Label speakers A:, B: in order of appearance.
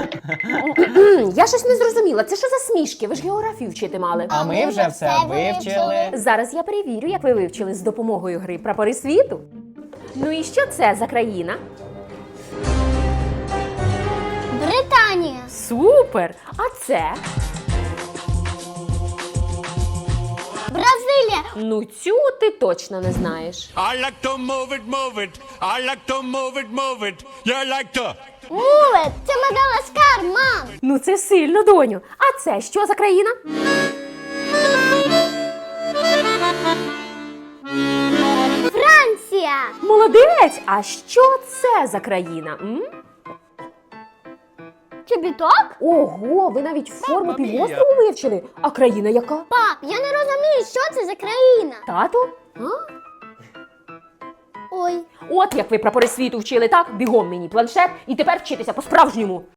A: Я щось не зрозуміла. Це що за смішки? Ви ж географію вчити мали.
B: А ми вже все вивчили.
A: Зараз я перевірю, як ви вивчили з допомогою гри «Прапори світу». Ну і що це за країна?
C: Британія.
A: Супер! А це?
C: Бразилія.
A: Ну цю ти точно не знаєш.
D: I like to move it, move it. I like to move it, move it. You like to.
C: Мулет. Це Мадагаскар, мам.
A: Ну це сильно, доню. А це що за країна?
C: Франція.
A: Молодець! А що це за країна? М?
C: Чобіток?
A: Ого, ви навіть форму півострову вивчили. А країна яка?
C: Пап, я не розумію, що це за країна.
A: Тату?
C: Ой.
A: От як ви прапори світу вчили, так? Бігом мені планшет і тепер вчитися по-справжньому.